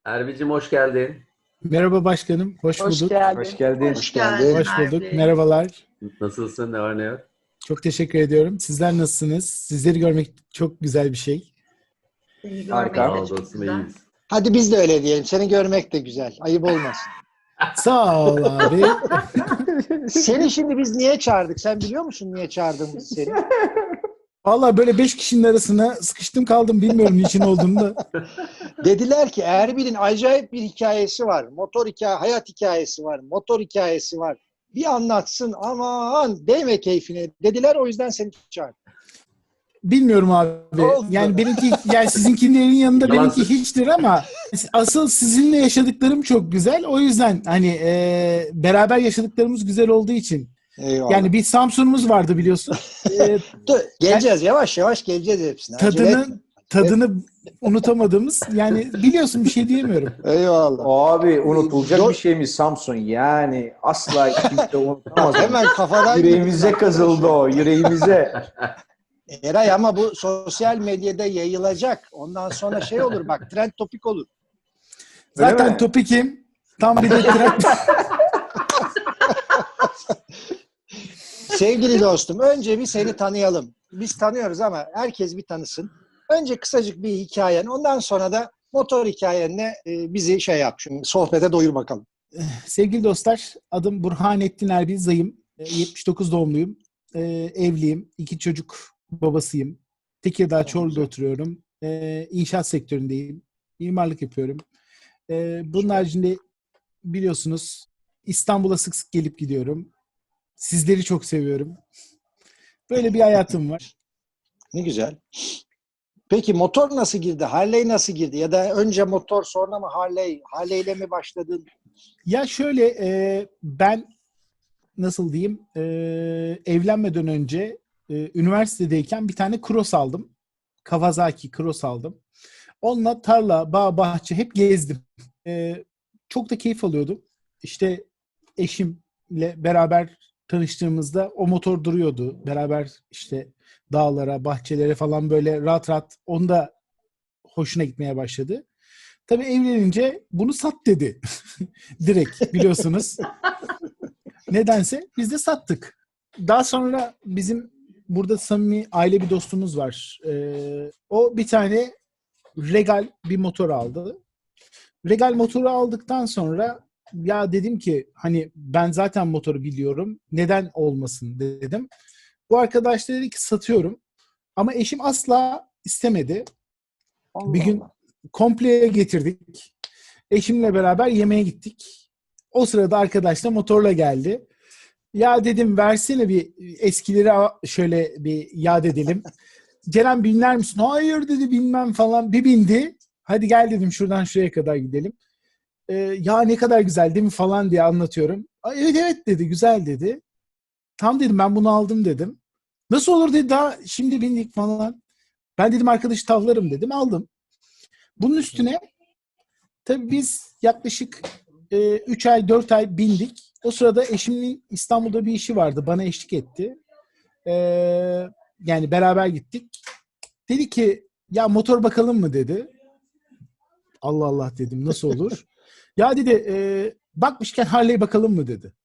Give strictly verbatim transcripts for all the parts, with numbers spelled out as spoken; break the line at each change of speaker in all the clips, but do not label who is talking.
Erbi'cim hoş geldin.
Merhaba başkanım, hoş
Hoş
bulduk.
geldin.
Hoş geldin.
Hoş geldin.
Hoş bulduk,
Erdi.
merhabalar.
Nasılsın? Ne var ne yok?
Çok teşekkür ediyorum. Sizler nasılsınız? Sizleri görmek çok güzel bir şey.
Seni
Harika.
görmek
Sağ
de çok
olasın,
güzel.
iyiyiz.
Hadi biz de öyle diyelim. Seni görmek de güzel. Ayıp olmasın.
Sağ ol abi.
Seni şimdi biz niye çağırdık? Sen biliyor musun niye çağırdığımızı seni?
Vallahi böyle beş kişinin arasına sıkıştım kaldım. Bilmiyorum niçin olduğunu da.
Dediler ki Erbil'in acayip bir hikayesi var. Motor hikaye, hayat hikayesi var. Motor hikayesi var. Bir anlatsın aman değme keyfine dediler. O yüzden seni çağırdık.
Bilmiyorum abi.
Oldu.
Yani benimki, yani sizinkilerin yanında
Yalan
benimki
söyle-
hiçtir ama asıl sizinle yaşadıklarım çok güzel. O yüzden hani e, beraber yaşadıklarımız güzel olduğu için.
Eyvallah.
Yani bir Samsun'umuz vardı biliyorsun. E,
Dur, geleceğiz yavaş yavaş geleceğiz hepsine. Acele etme.
tadını tadını unutamadığımız, yani biliyorsun, bir şey diyemiyorum.
Eyvallah.
Abi unutulacak
Do-
bir şey mi Samsun? Yani asla kimse unutamaz.
Hemen kafadan
Yüreğimize kazıldı o, yüreğimize.
Eray ama bu sosyal medyada yayılacak. Ondan sonra şey olur bak trend topik olur.
Öyle
Zaten
mi?
topikim. Tam bir de trend.
Sevgili dostum önce bir seni tanıyalım. Biz tanıyoruz ama herkes bir tanısın. Önce kısacık bir hikayen ondan sonra da motor hikayenle e, bizi şey yap şimdi sohbete doyur bakalım.
Sevgili dostlar, adım Burhanettin Erbil Zayım. E, yetmiş dokuz doğumluyum. E, evliyim. İki çocuk babasıyım. Tekirdağ Çorlu'da oturuyorum. E, inşaat sektöründeyim. Mimarlık yapıyorum. E, bunun haricinde biliyorsunuz İstanbul'a sık sık gelip gidiyorum. Sizleri çok seviyorum. Böyle bir hayatım var.
Ne güzel. Peki motor nasıl girdi? Harley nasıl girdi? Ya da önce motor sonra mı Harley? Harley ile mi başladın?
Ya şöyle, e, ben nasıl diyeyim, e, evlenmeden önce e, üniversitedeyken bir tane cross aldım. Kawasaki cross aldım. Onunla tarla, bağ, bahçe hep gezdim. E, çok da keyif alıyordum. İşte eşimle beraber tanıştığımızda o motor duruyordu. Beraber işte dağlara, bahçelere falan böyle rahat rahat, onun da hoşuna gitmeye başladı. Tabii evlenince bunu sat dedi. Direkt, biliyorsunuz. Nedense biz de sattık. Daha sonra bizim burada samimi aile bir dostumuz var. Ee, o bir tane Regal bir motor aldı. Regal motoru aldıktan sonra ya dedim ki hani ben zaten motoru biliyorum. Neden olmasın dedim. Bu arkadaş da dedi ki satıyorum. Ama eşim asla istemedi.
Allah
Bir gün
Allah.
kompleye getirdik. Eşimle beraber yemeğe gittik. O sırada arkadaş da motorla geldi. Ya dedim versene bir eskileri a- şöyle bir yad edelim. Ceren binler misin? Hayır dedi, bilmem falan. Bir bindi. Hadi gel dedim, şuradan şuraya kadar gidelim. Ee, ya ne kadar güzel değil mi falan diye anlatıyorum. "Aa, evet evet dedi, güzel dedi. Tam dedim, ben bunu aldım dedim. Nasıl olur dedi, daha şimdi bindik falan. Ben dedim arkadaşı tavlarım dedim, aldım. Bunun üstüne tabii biz yaklaşık üç ay dört ay bindik. O sırada eşimin İstanbul'da bir işi vardı. Bana eşlik etti. E, yani beraber gittik. Dedi ki ya motor bakalım mı dedi. Allah Allah dedim, nasıl olur? Ya dedi e, bakmışken Harley bakalım mı dedi.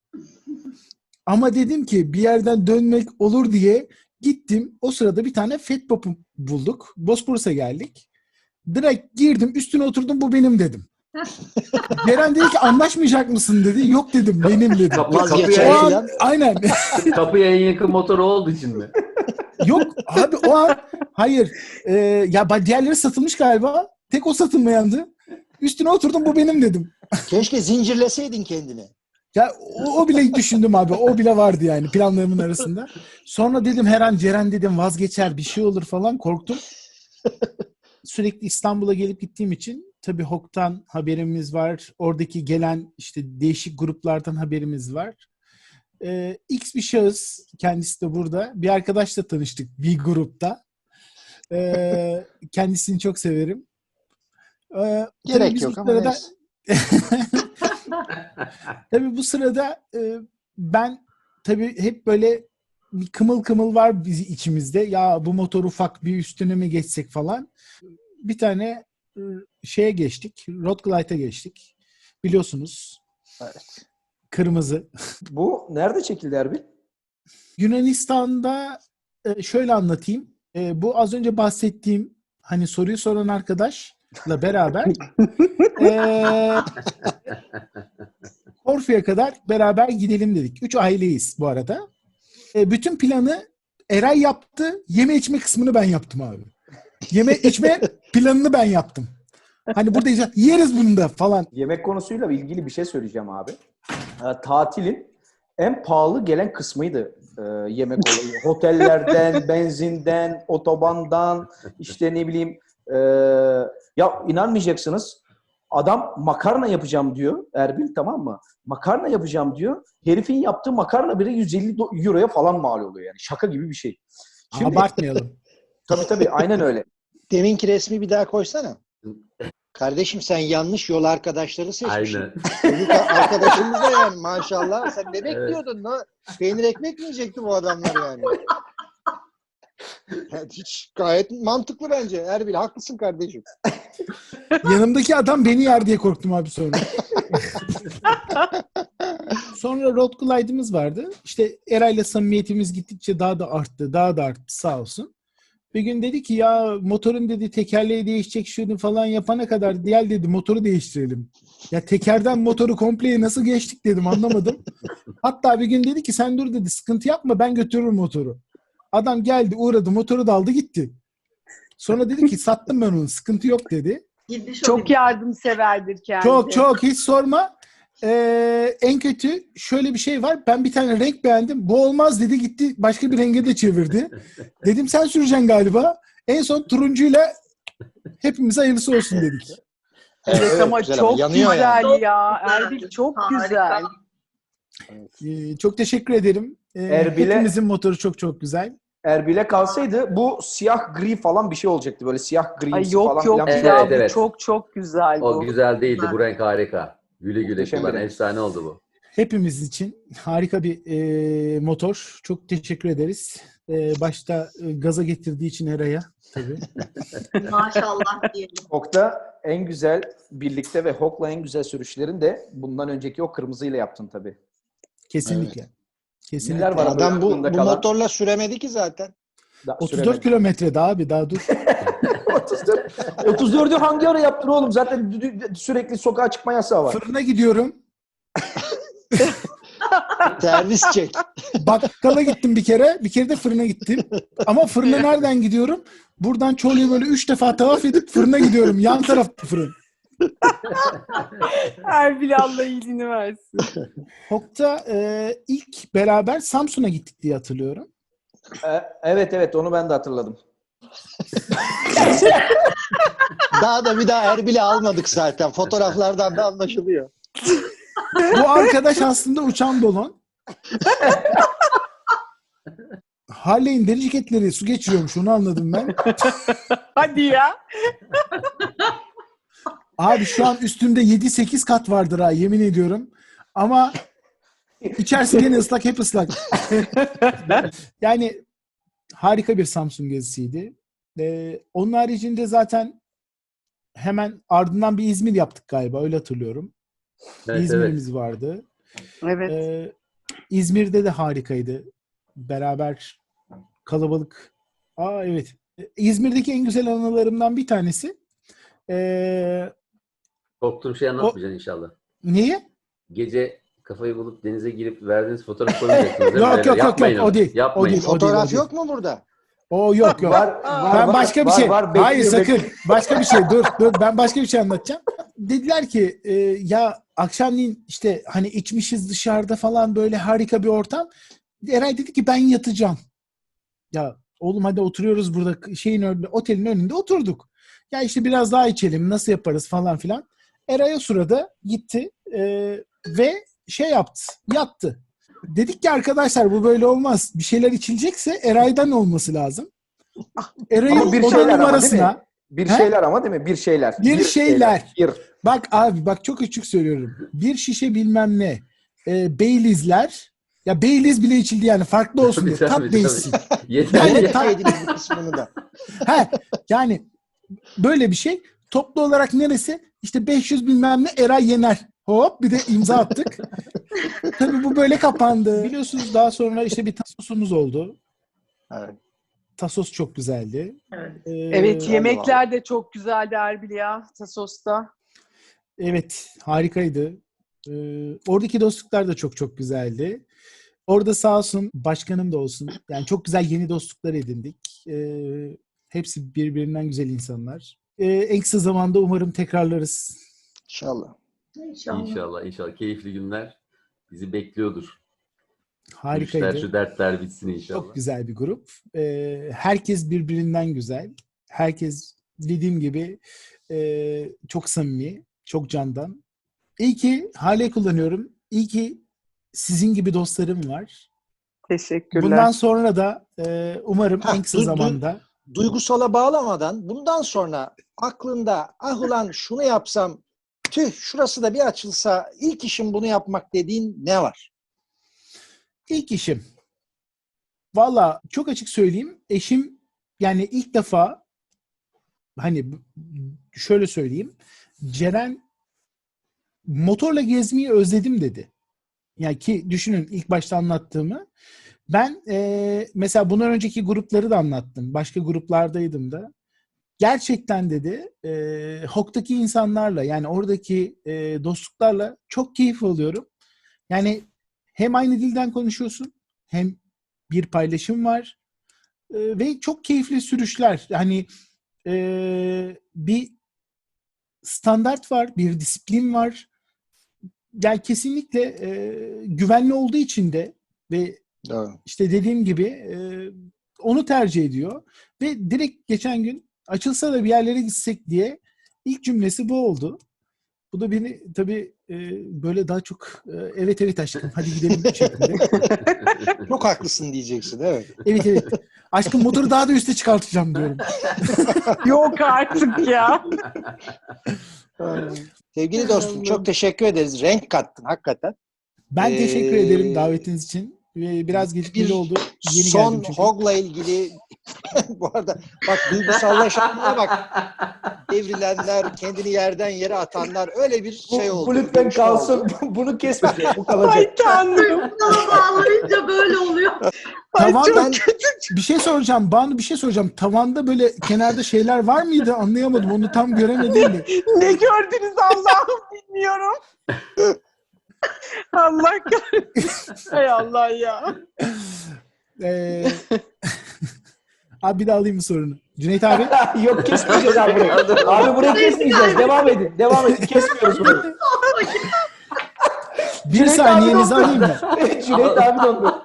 Ama dedim ki bir yerden dönmek olur diye gittim. O sırada bir tane Fatbop bulduk. Bosporus'a geldik. Direkt girdim, üstüne oturdum, bu benim dedim. Ceren dedi ki anlaşmayacak mısın dedi. Yok dedim, benim dedim.
Kapı,
Vazgeçer
kapıya,
O an,
falan.
aynen.
kapıya en yakın motoru olduğu için mi?
Yok abi, o an hayır. Ee, ya ba- diğerleri satılmış galiba. Tek o satılmayandı. Üstüne oturdum, bu benim dedim.
Keşke zincirleseydin kendini.
Ya o, o bile düşündüm abi. O bile vardı yani planlarımın arasında. Sonra dedim her an Ceren dedim vazgeçer, bir şey olur falan, korktum. Sürekli İstanbul'a gelip gittiğim için tabii H O K'tan haberimiz var. Oradaki gelen işte değişik gruplardan haberimiz var. Ee, X bir şahıs, kendisi de burada. Bir arkadaşla tanıştık bir grupta. Ee, kendisini çok severim. Ee, tabii
Gerek
biz
yok
bu
ama
sırada
neyse.
tabii bu sırada e, ben tabii hep böyle bir kımıl kımıl var bizi içimizde. Ya bu motor ufak, bir üstüne mi geçsek falan. Bir tane şeye geçtik. Road Glide'a geçtik. Biliyorsunuz.
Evet.
Kırmızı.
Bu nerede çekildi Erbil?
Yunanistan'da e, şöyle anlatayım. E, bu az önce bahsettiğim hani soruyu soran arkadaşla beraber e, Korfu'ya kadar beraber gidelim dedik. Üç aileyiz bu arada. E, bütün planı Eray yaptı. Yeme içme kısmını ben yaptım abi. Yeme içme planını ben yaptım. Hani burada yiyeceğiz, yeriz bunu da falan.
Yemek konusuyla ilgili bir şey söyleyeceğim abi. E, tatilin en pahalı gelen kısmıydı e, yemek olayı. Otellerden, benzinden, otobandan, işte ne bileyim. E, ya inanmayacaksınız. Adam makarna yapacağım diyor Erbil, tamam mı? Makarna yapacağım diyor. Herifin yaptığı makarna bile yüz elli euroya falan mal oluyor yani. Şaka gibi bir şey. Şimdi,
abartmayalım.
tabii tabii aynen öyle.
Deminki resmi bir daha koysana. Kardeşim sen yanlış yol arkadaşları seçmişsin.
Aynen.
Çocuk arkadaşımız da yani maşallah. Sen ne bekliyordun? Evet. Peynir ekmek mi yiyecekti bu adamlar yani? Yani hiç gayet mantıklı bence. Erbil haklısın kardeşim.
Yanımdaki adam beni yer diye korktum abi sonra. Sonra Road Glide'ımız vardı. İşte Eray'la samimiyetimiz gittikçe daha da arttı. Daha da arttı sağ olsun. Bir gün dedi ki ya motorun dedi tekerleği değişecek şunu falan yapana kadar diğer dedi motoru değiştirelim. Ya tekerden motoru kompleye nasıl geçtik dedim anlamadım. Hatta bir gün dedi ki sen dur dedi sıkıntı yapma ben götürürüm motoru. Adam geldi uğradı motoru da aldı gitti. Sonra dedi ki sattım ben onu sıkıntı yok dedi.
Çok yardımseverdir kendisi.
Çok çok hiç sorma. Ee, en kötü şöyle bir şey var. Ben bir tane renk beğendim. Bu olmaz dedi gitti başka bir renge de çevirdi. Dedim sen süreceksin galiba. En son turuncuyla hepimize hayırlısı olsun dedik.
Evet,
Evet,
ama
güzel
çok
ama yanıyor
güzel
yani.
ya. Erbil çok güzel.
Ee, çok teşekkür ederim. Ee,
Erbil'e-
hepimizin motoru çok çok güzel.
Erbil'e kalsaydı bu siyah gri falan bir şey olacaktı. Böyle siyah gri
Ay
falan
yok yok
filan bir şey.
ya
Evet,
bu
evet.
çok çok güzel bu.
O güzel değildi. Bu renk harika. Güle güle
Muhteşem
kullan.
bir renk.
Efsane oldu bu.
Hepimiz için harika bir e, motor. Çok teşekkür ederiz. E, başta e, gaza getirdiği için Eray'a tabii.
Maşallah diyelim.
Hok'ta en güzel birlikte ve Hok'la en güzel sürüşlerin de bundan önceki o kırmızıyla yaptın tabii.
Kesinlikle. Kesinlikle.
Neler var abi?
Adam bu,
aklında
bu
kalan?
motorla süremedi ki zaten.
Da-
otuz dört
süremedi.
kilometre daha abi daha dur.
otuz dört. otuz dördü hangi ara yaptın oğlum? Zaten dü- dü- sürekli sokağa çıkma yasağı var.
Fırına gidiyorum.
Servis çek.
Bakkala gittim bir kere. Bir kere de fırına gittim. Ama fırına nereden gidiyorum? Buradan Çorlu'ya böyle üç defa tavaf edip fırına gidiyorum. Yan tarafta fırın.
Erbil Allah iyiliğini versin.
Hok'ta e, ilk beraber Samsun'a gittik diye hatırlıyorum.
Ee, evet evet onu ben de hatırladım.
Daha da bir daha Erbil'i almadık zaten. Fotoğraflardan da anlaşılıyor.
Bu arkadaş aslında uçan balon. Harley'in deri ceketleri su geçiriyormuş onu anladım ben.
Hadi ya.
Abi şu an üstümde yedi sekiz kat vardır ha yemin ediyorum. Ama içerisi gene ıslak hep ıslak. Yani harika bir Samsun gezisiydi. Ee, onun haricinde zaten hemen ardından bir İzmir yaptık galiba öyle hatırlıyorum.
Evet, evet.
İzmir'imiz vardı.
Evet.
Ee, İzmir'de de harikaydı. Beraber kalabalık. Aa evet. İzmir'deki en güzel anılarımdan bir tanesi. Ee,
Korktuğum şey anlatmayacaksın inşallah.
neyi?
Gece kafayı bulup denize girip verdiğiniz fotoğrafı koymayacaksınız değil mi?
Yok,
Beyler?
yok, yok,
Yapmayın
yok.
onu.
O değil.
Yapmayın.
O değil.
Fotoğraf
o değil.
yok mu burada?
O yok yok.
Var, var,
Ben
var,
başka bir
var,
şey.
var.
Hayır
Bekliyor,
sakın.
bekliyor.
Başka bir şey. Dur dur. Ben başka bir şey anlatacağım. Dediler ki e, ya akşamleyin işte hani içmişiz dışarıda falan böyle harika bir ortam. Eray dedi ki ben yatacağım. Ya oğlum hadi oturuyoruz burada şeyin önünde, otelin önünde oturduk. Ya işte biraz daha içelim nasıl yaparız falan filan. Eray o sırada gitti e, ve şey yaptı. Yattı. Dedik ki arkadaşlar bu böyle olmaz. Bir şeyler içilecekse Eray'dan olması lazım. Eray'ın
Ama bir
oda
şeyler ama değil mi?
numarasına
Bir
He?
şeyler ama değil mi? Bir şeyler.
Bir şeyler.
Bir.
bak abi bak çok açık söylüyorum. Bir şişe bilmem ne e, Baileys'ler ya Baileys bile içildi yani farklı olsun diye.
Tabii,
Tat
tabii,
değişsin.
Yeter.
Yani
ya.
ta-
Deseydiniz bu kısmını da.
He, yani böyle bir şey. Toplu olarak neresi? İşte beş yüz bilmem ne Eray Yener. Hop bir de imza attık. Tabii bu böyle kapandı. Biliyorsunuz daha sonra işte bir tasosumuz oldu.
Evet.
Tasos çok güzeldi.
Evet.
Ee,
Evet, yemekler de çok güzeldi Erbil ya Tasos'ta.
Evet, harikaydı. Ee, oradaki dostluklar da çok çok güzeldi. Orada sağ olsun başkanım da olsun. Yani çok güzel yeni dostluklar edindik. Ee, hepsi birbirinden güzel insanlar. Ee, en kısa zamanda umarım tekrarlarız.
İnşallah.
İnşallah.
İnşallah, inşallah. Keyifli günler bizi bekliyordur.
Harikaydı.
Şu, şu dertler bitsin inşallah.
Çok güzel bir grup. Ee, herkes birbirinden güzel. Herkes dediğim gibi e, çok samimi, çok candan. İyi ki Harley kullanıyorum. İyi ki sizin gibi dostlarım var.
Teşekkürler.
Bundan sonra da e, umarım
Ha,
en kısa
du- du-
zamanda
Duygusala bağlamadan bundan sonra aklında ah ulan şunu yapsam, tüh şurası da bir açılsa, ilk işim bunu yapmak dediğin ne var?
ilk işim. Valla çok açık söyleyeyim. Eşim yani ilk defa hani şöyle söyleyeyim. Ceren motorla gezmeyi özledim dedi. Yani ki düşünün ilk başta anlattığımı. Ben e, mesela bundan önceki grupları da anlattım. Başka gruplardaydım da. Gerçekten dedi e, H O K'taki insanlarla yani oradaki e, dostluklarla çok keyif alıyorum. Yani hem aynı dilden konuşuyorsun hem bir paylaşım var e, ve çok keyifli sürüşler. Yani e, bir standart var, bir disiplin var. Yani kesinlikle e, güvenli olduğu için de ve
Doğru.
işte dediğim gibi e, onu tercih ediyor. Ve direkt geçen gün açılsa da bir yerlere gitsek diye ilk cümlesi bu oldu. Bu da beni tabii e, böyle daha çok e, evet evet aşkım hadi gidelim şeklinde.
Çok haklısın diyeceksin, evet.
Evet evet. Aşkım motoru daha da üste çıkartacağım diyorum.
Yok artık ya.
Sevgili dostum çok teşekkür ederiz. Renk kattın hakikaten.
Ben
Ee,
teşekkür ederim davetiniz için. Ve biraz gecikmeli
bir
oldu. Yeni
Son
geldim çünkü.
H O G'la ilgili bu arada bak duygusallaşanlara bak. Devrilenler, kendini yerden yere atanlar öyle bir
Bu,
şey oldu.
bu lütfen
görüşme
kalsın.
oldu.
Bunu kesmeyeceğiz. Bu kalacak.
Ay tanrım.
Buna bağlayınca böyle oluyor.
Ay
Tavan-
çok
Ben
Bir şey soracağım. Banu bir şey soracağım. Tavanda böyle kenarda şeyler var mıydı? Anlayamadım. Onu tam göremedim de.
ne gördünüz Allah'ım bilmiyorum. Allah kahretsin. Hay Allah ya.
Ee, abi bir daha alayım mı sorunu? Cüneyt abi.
Yok kesmeyeceğiz abi burayı. Abi burayı kesmeyeceğiz. Devam edin. Devam edin. Kesmiyoruz burayı.
Bir
Cüneyt abi
saniyenizi
dondu.
alayım mı?
Evet, Cüneyt abi dondu.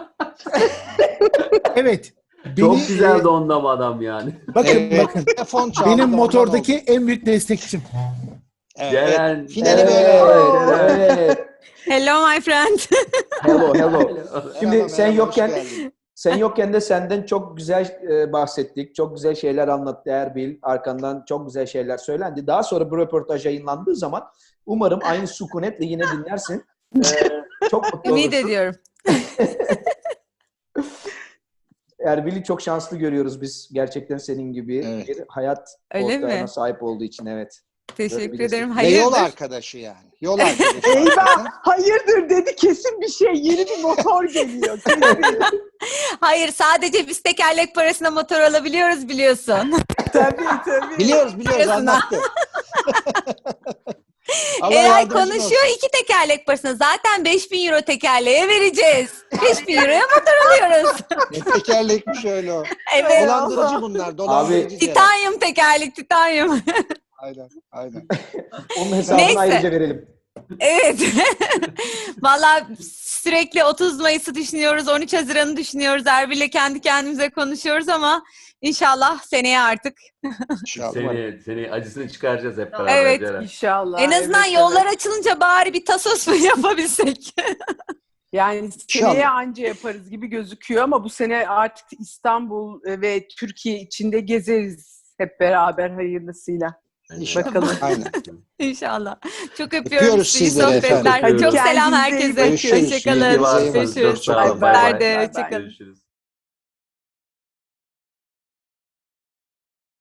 Evet.
Çok
Beni,
güzel
e,
dondu ama adam yani.
bakın
Evet,
bakın.
telefon çaldı,
Benim
ondan
motordaki
oldu.
en büyük destekçim.
Evet,
Ceren.
evet. Finali böyle.
Evet, evet.
Hello my friend.
Hello, hello. Şimdi
Merhaba,
sen
merhaba,
yokken
hoş geldin.
sen yokken de senden çok güzel e, bahsettik. Çok güzel şeyler anlattı Erbil. Arkandan çok güzel şeyler söylendi. Daha sonra bu röportaj yayınlandığı zaman umarım aynı sükunetle yine dinlersin. E, çok mutlu
Ümit
olursun.
ediyorum.
Erbil'i çok şanslı görüyoruz biz. Gerçekten senin gibi
Evet.
bir hayat
Öyle
ortağına
mi?
sahip olduğu için evet.
Teşekkür
Görebilirsin.
ederim.
Ve yol
Hayırdır?
arkadaşı yani. Yol arkadaşı.
Eyvah. Hayırdır dedi, kesin bir şey. Yeni bir motor geliyor. Kesin.
Hayır, sadece biz tekerlek parasına motor alabiliyoruz biliyorsun.
tabii tabii.
Biliyoruz biliyoruz
Biliyorsun ha.
anlattı. Allah
Eray
yardımcın
konuşuyor
olsun.
iki tekerlek parasına. Zaten beş bin euro tekerleğe vereceğiz. beş bin euroya motor alıyoruz.
Ne tekerlekmiş öyle o.
Evet.
Dolandırıcı bunlar. Dolandırıcı. Ceren.
Titanyum tekerlek, titanyum.
Aynen. Aynen.
Onun hesabını
Neyse.
ayrıca verelim.
Evet. Valla sürekli otuz Mayıs'ı düşünüyoruz, on üç Haziran'ı düşünüyoruz. Erbil'le kendi kendimize konuşuyoruz ama inşallah seneye artık.
İnşallah.
Seni, seni acısını çıkaracağız hep beraber
Evet.
Ceren.
İnşallah.
En azından
evet,
yollar
evet.
açılınca bari bir tasos mu yapabilsek?
Yani
İnşallah.
seneye anca yaparız gibi gözüküyor ama bu sene artık İstanbul ve Türkiye içinde gezeriz hep beraber hayırlısıyla.
İnşallah.
Bakalım.
Aynen.
İnşallah. Çok öpüyorum
Öpüyoruz
sizi. İyi
sizleri efendim.
sohbetler.
Öpüyoruz.
Çok selam
Kendinize iyi
herkese.
bakın.
Görüşürüz.
Hoşçakalın.
İyi bakın.
Görüşürüz.
Çok sağ olun.
Bay bay.
Sizler de
Bay bay.
hoşçakalın.
Görüşürüz.